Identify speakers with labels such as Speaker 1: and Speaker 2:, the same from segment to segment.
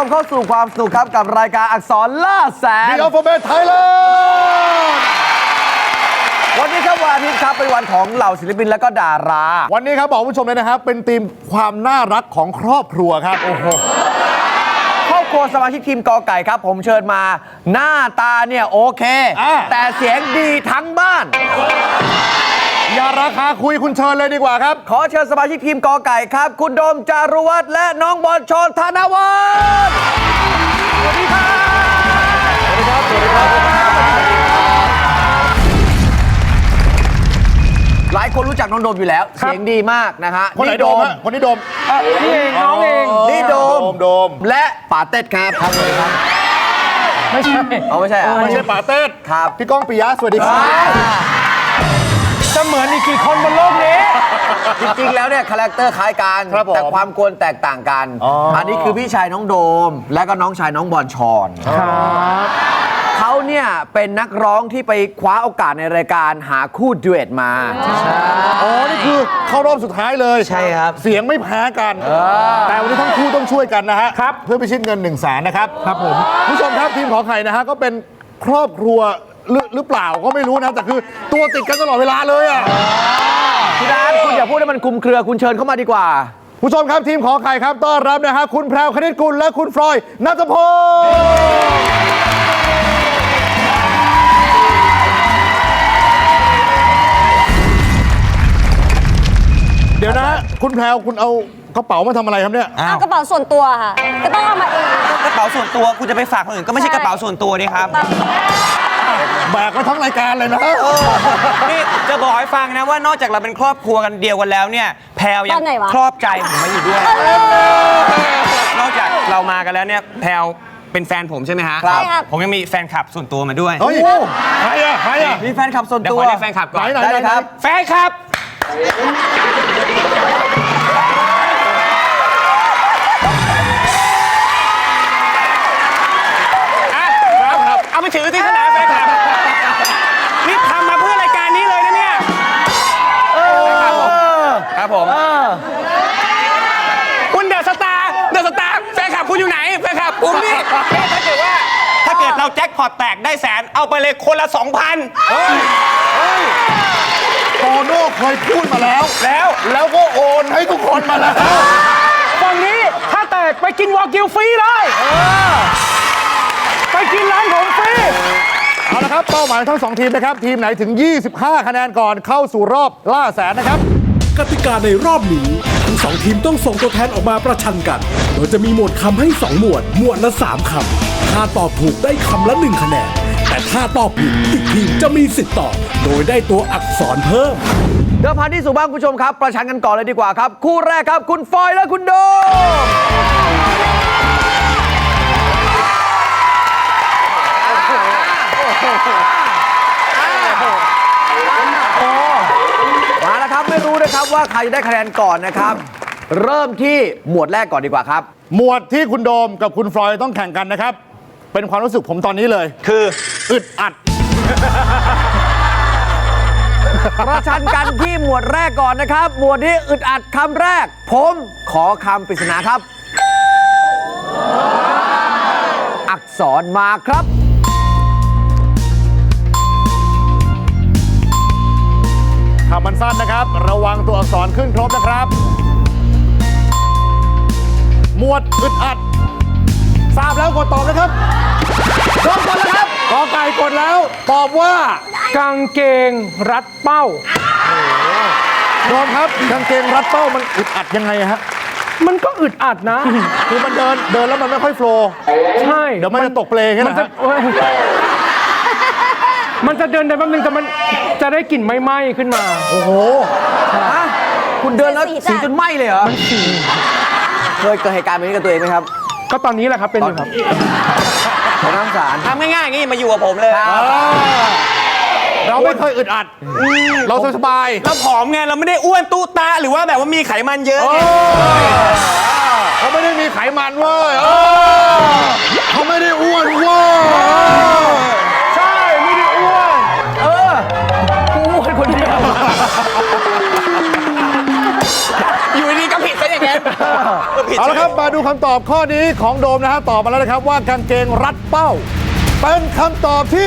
Speaker 1: มเข้าสู่ความสนุกครับกับรายการอักษรล่าแสน
Speaker 2: The Alphabet Thailand
Speaker 1: วันนี้ครับวันอาทิตย์ครับเป็นวันของเหล่าศิลปินและก็ดารา
Speaker 2: วันนี้ครับบอกผู้ชมเลยนะครับเป็นธีมความน่ารักของครอบครัวครับโอ้โห
Speaker 1: ครอบครัวสมาชิกทีมกอไก่ครับผมเชิญมาหน้าตาเนี่ยโอเคแต่เสียงดีทั้งบ้าน
Speaker 2: อย่าราคาคุยคุณเชิญเลยดีกว่าครับ
Speaker 1: ขอเชิญสมาชิกทีมกอไก่ครับคุณโดมจารุวัฒน์และน้องบอลชรธนวัฒน์สวัสดีครับสวัสดีครับสวัสดีครับหลายคนรู้จักน้องโดมอยู่แล้วเสียงดีมากนะฮะ
Speaker 2: คนไหนโดมฮะคนนี้โดม
Speaker 1: นี่เองน้องเองนี่โดมและป๋าเต็ดครับครับไม่ใช่เอาไม่ใช่อ่ะ
Speaker 2: ไม่ใช่ป๋าเต้
Speaker 1: ครับ
Speaker 2: พี่ก้องปิยะสวัสดีครับ
Speaker 1: จะเหมือนอีกกี่คนบนโลกนี้จริงๆแล้วเนี่ยคาแรคเตอร์คล้ายกันแต่ความกวนแตกต่างกันอันนี้คือพี่ชายน้องโดมและก็น้องชายน้องบอลชรเขาเนี่ยเป็นนักร้องที่ไปคว้าโอกาสในรายการหาคู่ดูเอทมา
Speaker 2: อ๋อนี่คือเข้ารอบสุดท้ายเลย
Speaker 1: ใช่ครับ
Speaker 2: เสียงไม่แพ้กันแต่วันนี้ทั้งคู่ต้องช่วยกันนะฮะครับเพื่อพิชิตเงิน1 0 0 0 0แสนนะครับครับผมผู้ชมครับทีมขอไข่นะฮะก็เป็นครอบครัวหรือเปล่าก็ไม่รู้นะแต่คือตัวติดกันตลอดเวลาเลยอ่ะ
Speaker 1: คุณดานคุณอย่าพูดให้มันคลุมเครือคุณเชิญเข้ามาดีกว่า
Speaker 2: ผู้ชมครับทีมขอไข่ครับต้อนรับนะฮะคุณแพรวคณิตกุลและคุณฟลอยด์ณัฐพลเดี๋ยวนะคุณแพรวคุณเอากระเป๋ามาทำอะไรครับเนี่ย
Speaker 3: เอากระเป๋าส่วนตัวค่ะก็ต้องเอามาเอง
Speaker 1: กระเป๋าส่วนตัวคุณจะไปฝากคนอื่นก็ไม่ใช่กระเป๋าส่วนตัวนี่ครับ
Speaker 2: แบกมาทั้งรายการเลยนะ
Speaker 4: นี่จะบอกให้ฟังนะว่านอกจากเราเป็นครอบครัวกันเดียวกันแล้วเนี่ยแพรวยังครอบใจผมมาอยู่ด้วยนอกจากเรามากันแล้วเนี่ยแพรวเป็นแฟนผมใช่ไหมฮะ
Speaker 3: ครับ
Speaker 4: ผมยังมีแฟนคลับส่วนตัวมาด้วย
Speaker 2: เฮ้ยใครอ่ะ
Speaker 1: มีแฟนคลับส่วนตัว
Speaker 4: เดี๋ยวขอเรียกแฟนคลับก่อน
Speaker 2: ไหนครับ
Speaker 4: แฟนคลับเอาไปถือที่สนามแฟนคลับนี่ทำมาเพื่อรายการนี้เลยนะเนี่ยครับผมคุณเดอะสตาร์แฟนคลับคุณอยู่ไหนแฟนคลับผมนี่ถ้าเกิดเราแจ็คพอตแตกได้แสนเอาไปเลยคนละ 2,000
Speaker 2: โตโน่เคยพูดมาแล้วก็โอนให้ทุกคนมาแล้ว
Speaker 1: ฝั่งนี้ถ้าแตกไปกินวากิวฟรีเลยไปกินร้านผมฟรี
Speaker 2: เอาละครับเป้าหมายทั้ง2ทีมนะครับทีมไหนถึง25คะแนนก่อนเข้าสู่รอบล่าแสนนะครับ
Speaker 5: กติกาในรอบนี้ทั้ง2ทีมต้องส่งตัวแทนออกมาประชันกันโดยจะมีหมวดคำให้2หมวดละ3คำถ้าตอบถูกได้คำละ1คะแนนแต่ถ้าตอบผิดอีกทีมจะมีสิทธิ์ตอบโดยได้ตัวอักษรเพิ่ม
Speaker 1: เดิมพันที่สู่บ้านคุณผู้ชมครับประชันกันก่อนเลยดีกว่าครับคู่แรกครับคุณฟอยและคุณโดมาแล้วครับไม่รู้นะครับว่าใครได้คะแนนก่อนนะครับเริ่มที่หมวดแรกก่อนดีกว่าครับ
Speaker 2: หมวดที่คุณโดมกับคุณฟลอยด์ต้องแข่งกันนะครับเป็นความรู้สึกผมตอนนี้เลย
Speaker 4: คือ
Speaker 2: อึดอัด
Speaker 1: ประชันกันที่หมวดแรกก่อนนะครับหมวดที่อึดอัดคำแรกผมขอคำปริศนาครับอักษรมาครับ
Speaker 2: คำมันสั้นนะครับระวังตัวอักษรขึ้นครบนะครับหมวดอึดอัดทราบแล้วกดตอบนะครับพร้อมกันแล้วครับกอไก่กดแล้วตอบว่ากางเกงรัดเป้าโดมครับกางเกงรัดเป้ามันอึดอัดยังไงฮะ
Speaker 6: มันก็อึดอัดนะ
Speaker 2: คือมันเดินแล้วมันไม่ค่อยโฟล์
Speaker 6: ใช่
Speaker 2: เดี๋ยวมันจะตกเปลแค่นั้น
Speaker 6: มันจะเดินได้แป๊บนึงแต่มันจะได้กลิ่นไหม้ๆขึ้นมา
Speaker 2: โอ้โห
Speaker 1: คุณเดินแล้วสีจนไหม้เลยเหรอเคยเกิดเหตุการณ์แบบนี้กับตัวเองไหมครับ
Speaker 6: ก็ตอนนี้แหละครับเป็นอยู่ครับ
Speaker 1: น้ำสาร
Speaker 4: ทำง่ายๆอย่างนี้มาอยู่กับผมเลย
Speaker 2: เราไม่เคยอึดอัดเราสบาย
Speaker 4: เราผอมไงเราไม่ได้อ้วนตู้ตาหรือว่าแบบว่ามีไขมันเยอะ
Speaker 2: เขาไม่ได้มีไขมันเว้ยเขาไม่ได้อ้วนเว้ย
Speaker 6: ใช่ไม่ได้อ้วน
Speaker 1: กูอ้วนคนเดียว
Speaker 4: อยู่ดีก็ผิดซะอย่างนั้น
Speaker 2: เอาละครับมา
Speaker 7: ดูคำตอบข้อนี้ของโดมนะฮะตอบมาแล้วนะครับว่ากางเกงรัดเป้า เป็นคำตอบที่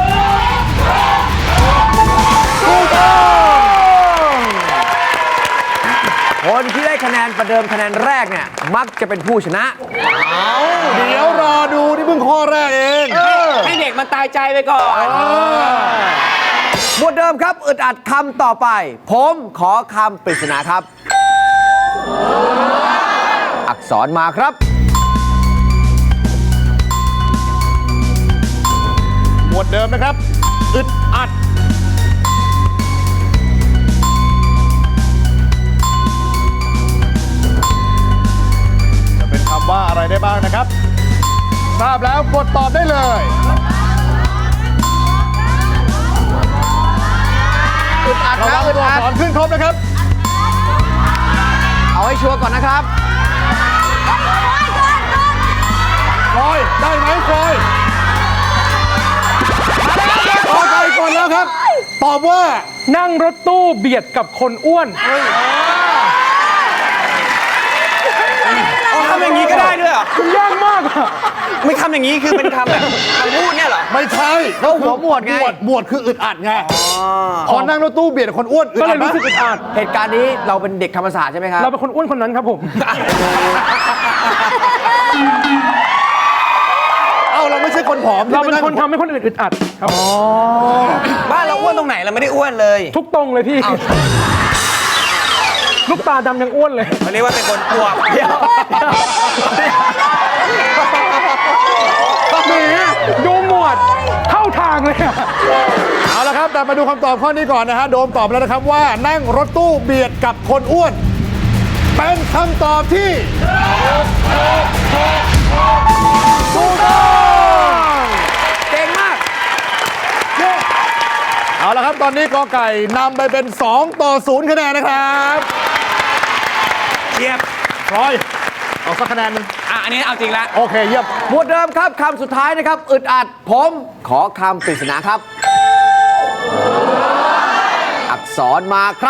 Speaker 7: ถูกต้อง
Speaker 1: คนที่ได้คะแนนประเดิมคะแนนแรกเนี่ยมักจะเป็นผู้ชนะ
Speaker 7: เดี๋ยวรอดูนี่เพิ่งข้อแรกเอง
Speaker 4: ให้เด็กมันตายใจไปก่อน
Speaker 1: หมวดเดิมครับอึดอัดคำต่อไป ผมขอคำปริศนาครับ อักษรมาครับ
Speaker 7: หมวดเดิมนะครับอึดอัดจะเป็นคำว่าอะไรได้บ้างนะครับ ทราบแล้วกดตอบได้เลยอึดอัดนะตัวอักษรขึ้นครบนะครับ
Speaker 1: เอาให้ชัวร์ก่อนนะครับ
Speaker 7: ฟอยได้ไหมฟอยขอใจก่อนแล้วครับ ตอบว่า
Speaker 6: นั่งรถตู้เบียดกับคนอ้วน
Speaker 4: ทำอย่างนี้ก็ได้ด้วยเหรอ
Speaker 6: คุณยากมากอะ
Speaker 4: ไม่ทำอย่างนี้คือเป็นคำแบบคำพูดเนี่ยเหรอ
Speaker 7: ไม่ใช่
Speaker 1: แล้วหัวหมวดไง
Speaker 7: หมวดคืออึดอัดไงพอนั่งรถตู้เบียดคนอ้วนอึด
Speaker 6: ก็เล
Speaker 7: อัด
Speaker 6: ย
Speaker 7: ไหม
Speaker 6: รู้สึกอึดอัด
Speaker 1: เหตุการณ์นี้เราเป็นเด็กธรรมศาสตร์ใช่ไหมครับ
Speaker 6: เราเป็นคนอ้วนคนนั้นครับผม
Speaker 7: เอ้าเราไม่ใช่คนผอม
Speaker 6: เราเป็น
Speaker 7: ที่
Speaker 6: คน
Speaker 7: ไง
Speaker 6: ทำให้คนอื่นอึดอัดครับ
Speaker 4: บ้านเราอ้วนตรงไหนเราไม่ได้อ้วนเลย
Speaker 6: ทุกตรงเลยพี่ ลูกตาดำยังอ้วนเลย
Speaker 4: เขาเรียกว่าเป็นคนอวบ
Speaker 6: แหมดูหมวดเข้าทางเลยอะ
Speaker 7: เอาละครับแต่มาดูคำตอบข้อนี้ก่อนนะฮะโดมตอบแล้วนะครับว่านั่งรถตู้เบียดกับคนอ้วน เป็นคำตอบที่ถูกต้อง
Speaker 1: เก่งมาก
Speaker 7: เอาละครับตอนนี้กอไก่นำไปเป็น2-0คะแนนนะครับ
Speaker 4: เทียบ
Speaker 7: พลอยเอาสักคะแนนหนึง
Speaker 4: อันนี้เอาจริงละ
Speaker 7: โอเคเยี่ยม
Speaker 1: หมวดเดิมครับคำสุดท้ายนะครับอึดอัดผมขอคำปริศนาครับ อักษรมาครับ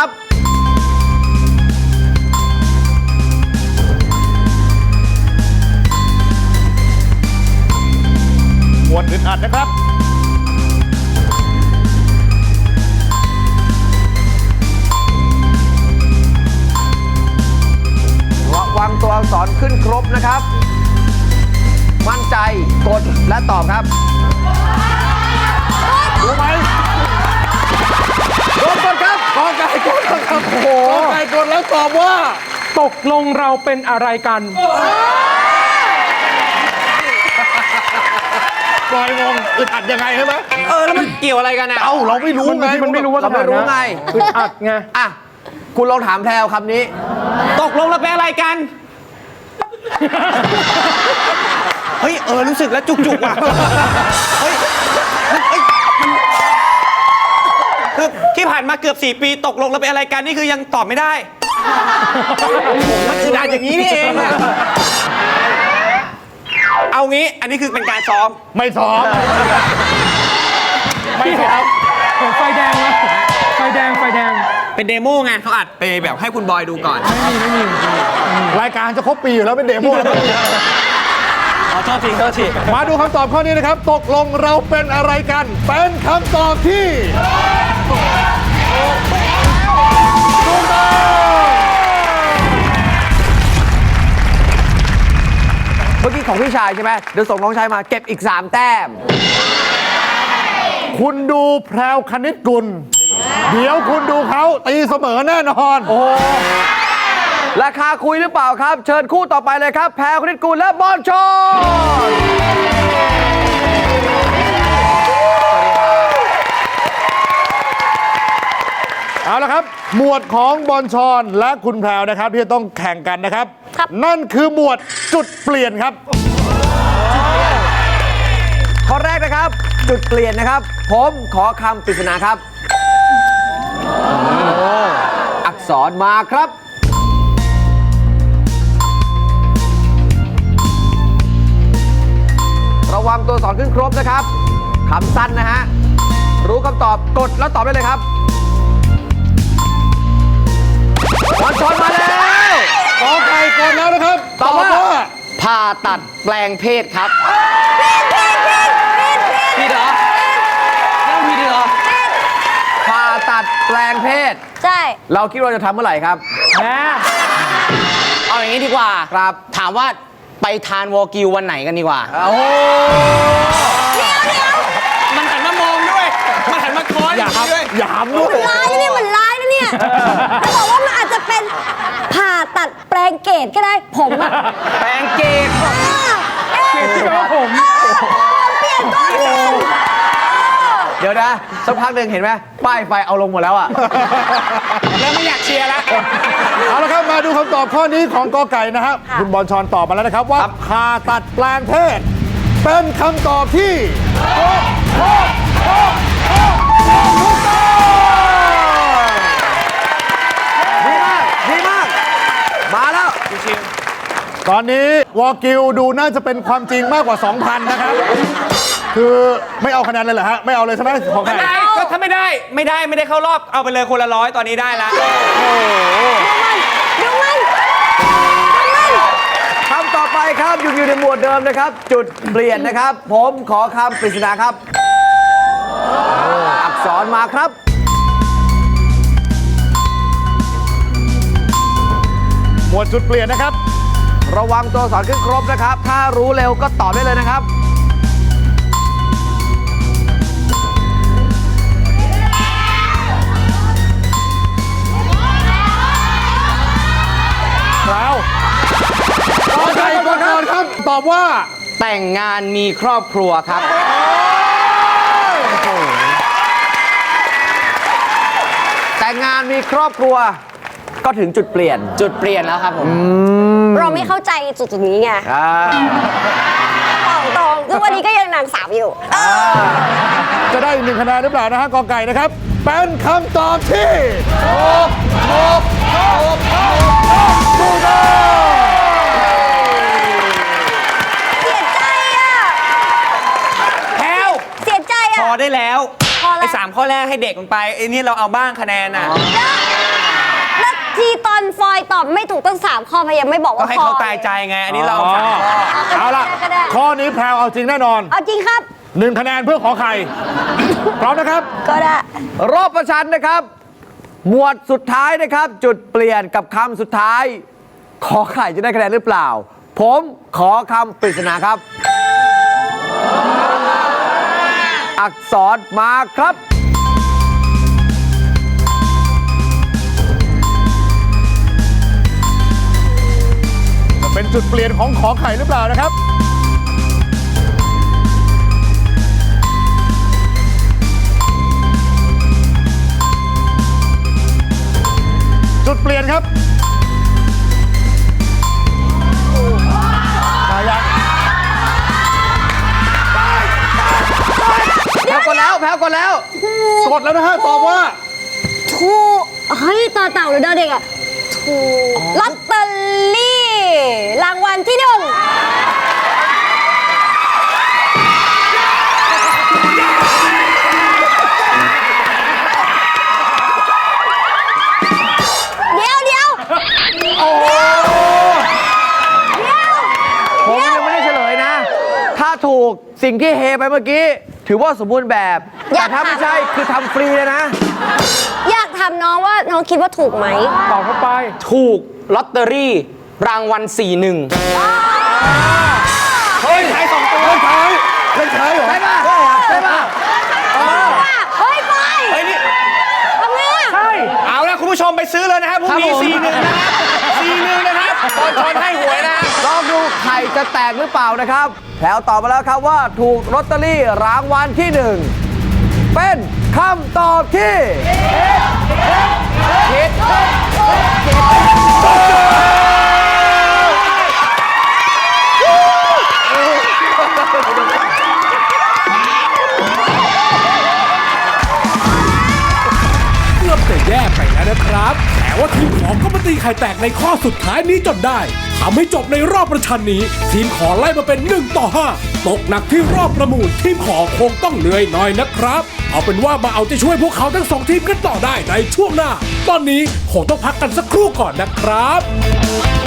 Speaker 7: หมวดอึดอัดนะครับ
Speaker 1: ระวังตัวอักษรขึ้นครบนะครับ มั่นใจกดและตอบครับ
Speaker 7: รู้ไหม
Speaker 1: โดนกดครับกอไก่กดครับโอ้โห
Speaker 7: กอไก่กดแล้วตอบว่า
Speaker 6: ตกลงเราเป็นอะไรกัน
Speaker 7: ปล่อยงงอึดอัดยังไงใช่ไหม
Speaker 4: แล้วมันเกี่ยวอะไรกันอ่ะ
Speaker 7: เอ้าเราไม่รู้ไง
Speaker 6: มันไม่รู้ว่า
Speaker 1: เราไม่รู้ไง
Speaker 6: อึดอัดไง
Speaker 1: อ่ะ คุณลองถามแพรวคำนี้
Speaker 4: ตกลงเราเป็นอะไรกัน เฮ้ยรู้สึกแล้วจุกๆว่ะ เฮ้ยมันคือที่ผ่านมาเกือบ 4 ปีตกลงเราเป็นอะไรกันนี่คือยังตอบไม่ได้ มันอึดอัดอย่างนี้นี่เองอะเอางี้ อันนี้คือเป็นการซ้อม
Speaker 7: ไม่ซ้อม
Speaker 6: ไม่ครับผมไฟแดงนะไฟแดง
Speaker 4: เป็นเดโมไงเขาอัดไปแบบให้คุณบอยดูก่อน
Speaker 7: รายการจะครบปีอยู่แล้วเป็นเดโมแล้ว
Speaker 4: โทษที
Speaker 7: มาดูคำตอบข้อนี้นะครับ ตกลงเราเป็นอะไรกัน เป็นคำตอบที่ถูกต้อง
Speaker 1: เมื่อกี้ของพี่ชายใช่ไหมเดี๋ยวส่งน้องชายมาเก็บอีก 3 แต้ม
Speaker 7: คุณดูแพรวคณิตกุล เดี๋ยวคุณดูเขาตีเสมอแน่นอน
Speaker 1: โอ้ราคาคุยหรือเปล่าครับ เชิญคู่ต่อไปเลยครับ แพรวคณิตกุลและบอลชอน
Speaker 7: เอาละครับ หมวดของบอลชอนและคุณแพรวนะครับที่จะต้องแข่งกันนะครับ นั่นคือหมวดจุดเปลี่ยนครับ
Speaker 1: ข้อแรกนะครับ จุดเปลี่ยนนะครับ ผมขอคำปริศนาครับ อักษรมาครับ ระวังตัวสอนขึ้นครบนะครับคำสั้นนะฮะ รู้คำตอบกดแล้วตอบได้เลยครับบอลชอนมาแล้ว
Speaker 7: กอไก่ก่อนแล้วนะครับ
Speaker 1: ตอบว่า
Speaker 8: ผ่าตัดแปลงเพศครับ
Speaker 4: ผิดเหรอยังผิดเหรอ
Speaker 1: ผ่าตัดแปลงเพศ
Speaker 3: ใช่
Speaker 1: เราคิดว่าจะทำเมื่อไหร่ครับ
Speaker 8: เอาอย่างนี้ดีกว่า
Speaker 1: ครับ
Speaker 8: ถามว่าไปทานวอกิววันไหนกันดีกว่า
Speaker 1: โอ้โห
Speaker 4: มันหันมามองด้วย มันหันมาคอยด้วย
Speaker 7: อย่าหามด้วย
Speaker 3: ร้ายนะเนี่ยมันร้ายนะเนี่ยจะบอกว่ามันอาจจะเป็นผ่าตัดแปลงเกตก็ได้ผมอะ
Speaker 4: แปลงเกต
Speaker 3: เกตที่แปลว่าผมเปลี่ยนตัวเปลี่ยน
Speaker 1: เดี๋ยวนะสักพักหนึ่งเห็นไหมป้ายไฟเอาลงหมดแล้วอ่ะ
Speaker 4: แล้วไม่อยากเชียร์แล้ว
Speaker 7: เอาละครับมาดูคำตอบข้อนี้ของกอไก่นะครับคุณบอลชอนตอบมาแล้วนะครับว่าผ่าตัดแปลงเพศเป็นคำตอบที่ถูกต้อง
Speaker 1: ดีมาก ดีมาก มาแล้ว
Speaker 7: ตอนนี้วอกิวดูน่าจะเป็นความจริงมากกว่า 2,000 นะครับ คือไม่เอาคะแนนเลยเหรอฮะ ไม่เอาเลยใช่ไหมของใคร
Speaker 4: ได้ก็ถ้าไม่ได้เข้ารอบเอาไปเลยคนละ100ตอนนี้ได้ละ
Speaker 3: ดูมัน
Speaker 1: คำต่อไปครับอยู่ในหมวดเดิมนะครับ จุดเปลี่ยนนะครับ ผมขอคำปริศนาครับ อักษรมาครับ
Speaker 7: หมวดจุดเปลี่ยนนะครับ
Speaker 1: ระวังตัวอักษรขึ้นครบนะครับ ถ้ารู้เร็วก็ตอบได้เลยนะครับ
Speaker 7: แล้วกอไก่ก่อนครับ ตอบว่า
Speaker 8: แต่งงานมีครอบครัวครับ
Speaker 1: แต่งงานมีครอบครัวก็ถึงจุดเปลี่ยน
Speaker 8: จุดเปลี่ยนแล้วครับผม
Speaker 3: เราไม่เข้าใจจุดนี้ไง
Speaker 1: อ่า
Speaker 3: ตรงๆทุกวันนี้ก็ยังนางสาวอยู่
Speaker 7: จะได้1คะแนนหรือเปล่านะฮะกอไก่นะครับ เป็นคำตอบที่ถูกต้อง
Speaker 3: เสียใจอ่ะ
Speaker 4: แพลว
Speaker 3: เสียใจ
Speaker 4: พ
Speaker 3: อ่ะ
Speaker 4: อได้แล้ว
Speaker 3: พอแล้ว
Speaker 4: ไอ้3ข้อแรกให้เด็กมันไปไอ้นี่เราเอาบ้างคะแนนน่ะ
Speaker 3: แล้วทีตอนฟอยตอบไม่ถูกตั้ง3ข้อพยายามไม่บอก
Speaker 4: ก็
Speaker 3: ว่า
Speaker 4: ให้
Speaker 3: พอ
Speaker 4: เขาตายใจไง อันนี้เราเอา3ข้อ
Speaker 7: เอาล่ะ
Speaker 3: ก็ได้
Speaker 7: ข้อนี้แพรวเอาจริงแน่นอน
Speaker 3: เอาจริงครับ
Speaker 7: 1 คะแนนเพื่อขอไข่ พร้อมนะครับ
Speaker 3: ก็ได้
Speaker 1: รอบประชันนะครับ หมวดสุดท้ายนะครับ จุดเปลี่ยนกับคำสุดท้าย ขอไข่จะได้คะแนนหรือเปล่า ผมขอคำปริศนาครับ อักษรมาครับ
Speaker 7: จะเป็นจุดเปลี่ยนของขอไข่หรือเปล่านะครับ จุดเปลี่ยนครับมายัง
Speaker 1: แพ้กดแล้ว แพ้กดแล้ว
Speaker 7: กดแล้วนะฮะ ตอบว่า
Speaker 3: ถูกเฮ้ยต่อเต่าหรือดอเด็กอ่ะถูกลอตเตอรี่รางวัลที่1เดี๋ยว
Speaker 1: ผมยังไม่ได้เฉลยนะ ถ้าถูกสิ่งที่เฮไปเมื่อกี้ ถือว่าสมบูรณ์แบบ
Speaker 3: อยา
Speaker 1: แต่
Speaker 3: ก
Speaker 1: ถ้าไม่ใช่คือทำฟรีเลยนะ
Speaker 3: อยากถามน้องว่าน้องคิดว่าถูกไหม
Speaker 6: ตอบเข้าไป
Speaker 8: ถูกลอตเตอรี่รางวัล41
Speaker 7: เฮ้ยท้าย2ตัวเล่นท้ายเหรอ
Speaker 1: ใช่ป่ะใช่ป่ะ
Speaker 3: เฮ้ยไป
Speaker 4: เฮ้ยนี่
Speaker 3: ทำไงอ่ะ
Speaker 6: ใช่
Speaker 4: เอาละคุณผู้ชมไปซื้อเลยนะครับพรุ่งนี้ 4-1 นะครับบอลชอนให้หวยนะ
Speaker 1: ลองดูไข่จะแตกหรือเปล่านะครับแถวตอบมาแล้วครับว่าถูกลอตเตอรี่รางวัลที่ 1 เป็นคำตอบที่ผิด
Speaker 5: เกือบจะแย่ไปแล้วนะครับ แต่ว่าทีมขอก็มาตีไข่แตกในข้อสุดท้ายนี้จนได้ทำให้จบในรอบประชันนี้ ทีมขอไล่มาเป็น1-5 ตกหนักที่รอบประมูลทีมขอคงต้องเหนื่อยหน่อยนะครับ เอาเป็นว่ามาเอาใจช่วยพวกเขาทั้ง2 ทีมกันต่อได้ในช่วงหน้า ตอนนี้คงต้องพักกันสักครู่ก่อนนะครับ